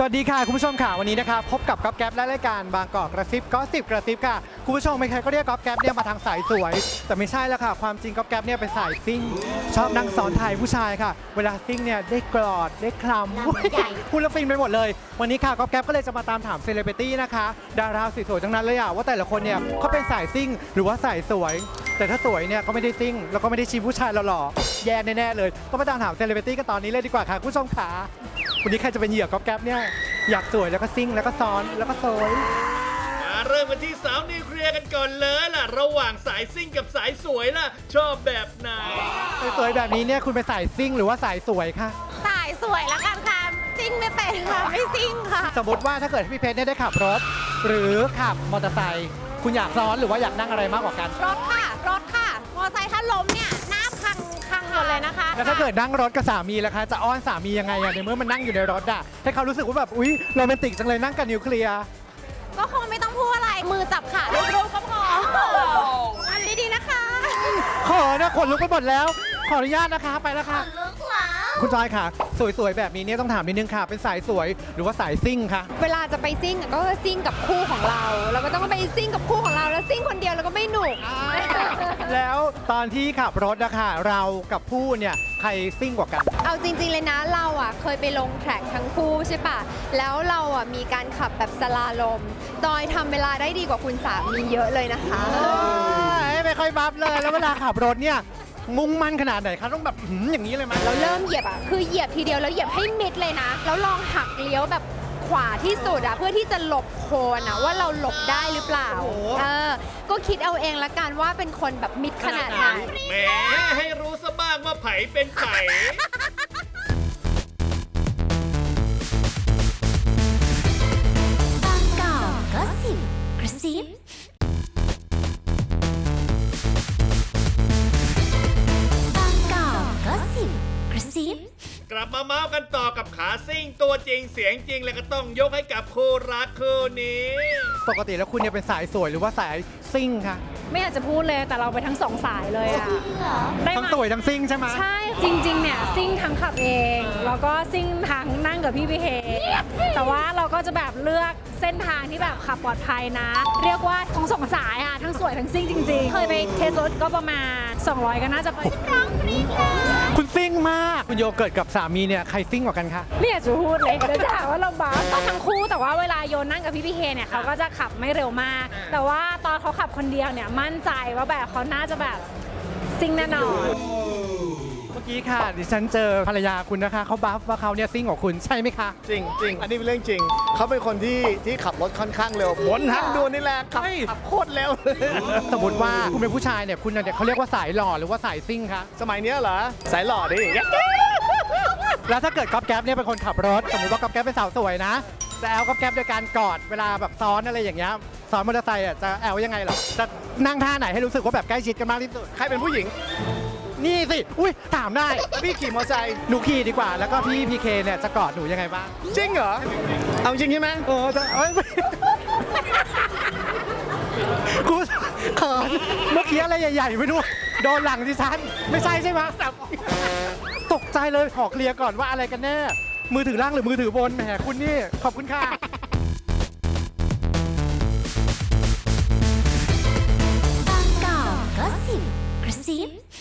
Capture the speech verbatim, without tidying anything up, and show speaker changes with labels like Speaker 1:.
Speaker 1: สวัสดีค่ะคุณผู้ชมค่ะวันนี้นะคะพบกับก๊อฟแก๊ปและรายการบางกอกกระซิบก็สิบกระซิบค่ะคุณผู้ชมใครๆก็เรียกก๊อฟแก๊ปเนี่ยมาทางสายสวยแต่ไม่ใช่แล้วค่ะความจริงก๊อฟแก๊ปเนี่ยเป็นสายซิ่งชอบนั่งซ้อนท้ายผู้ชายค่ะเวลาซิ่งเนี่ยได้กอดได้คลำพูดแล้วฟินไปหมดเลยวันนี้ค่ะก๊อฟแก๊ปก็เลยจะมาตามถามเซเลบริตี้นะคะดาราสวยๆทั้งนั้นเลยอะว่าแต่ละคนเนี่ยเขาเป็นสายซิ่งหรือว่าสายสวยแต่ถ้าสวยเนี่ยก็ไม่ได้ซิ่งแล้วก็ไม่ได้ชีผู้ชายหล่อๆแย่แน่ๆเลยก็มาตามถามเซเลบริตี้กันตอนนี้เลยดีกว่าค่ะคุณผู้ชมค่ะวันนี้ใครจะเป็นเหยื่อก๊อฟแก๊ปเนี่ยอยากสวยแล้วก็ซิ่งแล้วก็ซ้อนแล้วก็โซย
Speaker 2: มาเริ่มกันที่สาวนิวเคลียร์กันก่อนเลยล่ะระหว่างสายซิ่งกับสายสวยล่ะชอบแบบไหน
Speaker 1: สวยแบบนี้เนี่ยคุณเป็นสายซิ่งหรือว่าสายสวยคะ
Speaker 3: สายสวยละกันค่ะซิ่งไม่เป็นค่ะไม่ซิ่งค่ะ
Speaker 1: สมมติว่าถ้าเกิดพี่เพชรเนี่ยได้ขับรถหรือขับมอเตอร์ไซค์คุณอยากซ้อนหรือว่าอยากนั่งอะไรมากกว่ากัน
Speaker 3: รถค่ะรถค่ะมอเตอร์ไซค์ถ้าล้มเนี่ยหน้าพังพังหมดเลยนะคะ
Speaker 1: แล้วถ้าเกิดนั่งรถกับสามีล่ะคะจะอ้อนสามียังไงอะในเมื่อมันนั่งอยู่ในรถอะให้เขารู้สึกว่าแบบอุ๊ยโรแมนติกจังเลยนั่งกับนิวเคลียร์
Speaker 3: ก็คงไม่ต้องพูดอะไรมือจับขาลูกๆก็พออันดีๆนะคะ
Speaker 1: ขอนะขนลุกไปหมดแล้วขออนุญาตนะคะไปแล้วค่ะคุณจอยค่ะสวยๆแบบนี้เนี่ยต้องถามนิดนึงค่ะเป็นสายสวยหรือว่าสายซิ่งคะ
Speaker 3: เวลาจะไปซิ่งก็ซิ่งกับคู่ของเราเราก็ต้องไปซิ่งกับคู่ของเราแล้วซิ่งคนเดียวเราก็ไม่หนุก
Speaker 1: แล้วตอนที่ขับรถนะคะเรากับผู้เนี่ยใครซิ่งกว่ากัน
Speaker 3: เอาจริงๆเลยนะเราอ่ะเคยไปลงแทร็กทั้งคู่ใช่ปะแล้วเราอ่ะมีการขับแบบสลาลมจอยทำเวลาได้ดีกว่าคุณสามีเยอะเลยนะคะ
Speaker 1: ไม่ค่อยบัฟเลยแล้วเวลาขับรถเนี่ยมุ่งมั่นขนาดไหนคะต้องแบบอย่างนี้เลยไหม
Speaker 3: เราเริ่มเหยียบอ่ะคือเหยียบทีเดียวแล้วเหยียบให้มิดเลยนะแล้วลองหักเลี้ยวแบบขวาที่สุดอ่ะเพื่อที่จะหลบโคนอ่ะว่าเราหลบได้หรือเปล่าเออก็คิดเอาเองละกันว่าเป็นคนแบบมิดขนาดไหน
Speaker 2: แหมให้รู้ซะบ้างว่าไผเป็นไผ
Speaker 4: บางกอกก็สิบกระซิบ
Speaker 2: กลับมาเมาส์กันต่อกับขาซิ่งตัวจริงเสียงจริงแล้วก็ต้องยกให้กับคู่รักคู่นี้
Speaker 1: ปกติแล้วคุณเนี่ยเป็นสายสวยหรือว่าสายซิ่งคะ
Speaker 5: ไม่อยากจะพูดเลยแต่เราไปทั้งสองสายเลยอะ
Speaker 1: ทั้งสวยทั้งซิ่งใช่ไหม
Speaker 5: ใช่จริงๆเนี่ยซิ่งทั้งขับเองแล้วก็ซิ่งทั้งนั่งกับพี่พีเคแต่ว่าเราก็จะแบบเลือกเส้นทางที่แบบขับปลอดภัยนะเรียกว่าทั้งสองสายอะทั้งสวยทั้งซิ่งจริงๆเคยไปเทสรถก็ประมาณสองร้อยก็น่าจะไป
Speaker 1: คุณซิ่งมากคุณโยเกิร์ตกับสามีเนี่ยใครซิ่งกว่ากันคะ
Speaker 5: ไม่อยากจะพูดเลยเดี๋ยวจะหาว่าเราบ้าก็ทั้งคู่แต่ว่าเวลาโยนนั่งกับพี่พีเคเนี่ยเขาก็จะขับไม่เร็วมากแต่ว่าตอนเขาขับคนเดียวเนี่ยมั่นใจว่าแบบเขาน่าจะแบบซิ่งแน่นอน
Speaker 1: เมื่อกี้ค่ะดิฉันเจอภรรยาคุณนะคะเขาบัฟว่าเขาเนี่ยซิ่งกว่าคุณใช่ไหมคะ
Speaker 6: จริงจริงอันนี้เป็นเรื่องจริงเขาเป็นคนที่ที่ขับรถค่อนข้างเร็วบนทางด่วนนี่แหละขับขับโคตรเร็ว
Speaker 1: สมมติว่าคุณเป็นผู้ชายเนี่ยคุณเนี่ยเขาเรียกว่าสายหล่อหรือว่าสายซิ่งคะ
Speaker 6: สมัยนี้เหรอสายหล่อดิ
Speaker 1: แล้วถ้าเกิดก๊อฟแก๊ปเนี่ยเป็นคนขับรถสมมติว่าก๊อฟแก๊ปเป็นสาวสวยนะจะแอลก๊อฟแก๊ปโดยการกอดเวลาแบบซ้อนอะไรอย่างเงี้ยซ้อนมอเตอร์ไซค์อ่ะจะแอลยังไงหรอจะนั่งท่าไหนให้รู้สึกว่าแบบใกล้ชิดกันมากที่สุด
Speaker 6: ใครเป็นผู้หญิง
Speaker 1: นี่สิอุ้ยถามได้
Speaker 6: พี่ขี่มอเตอร์ไซค์
Speaker 1: หนูขี่ดีกว่าแล้วก็พี่พีเคเนี่ยจะกอดหนูยังไงบ้าง
Speaker 6: จริงเหรอเอาจริงใช่ไหม
Speaker 1: โอ้จะเอ้ยกูเขินเมื่อกี้อะไรใหญ่ๆไม่รู้โดนหลังดิฉันไม่ใช่ใช่ไหมตกใจเลยขอเคลียร์ก่อนว่าอะไรกันแน่มือถือล่างหรือมือถือบนแหมคุณนี่ขอบคุณค่ะ
Speaker 4: บางกอกก็สิบกระซิบ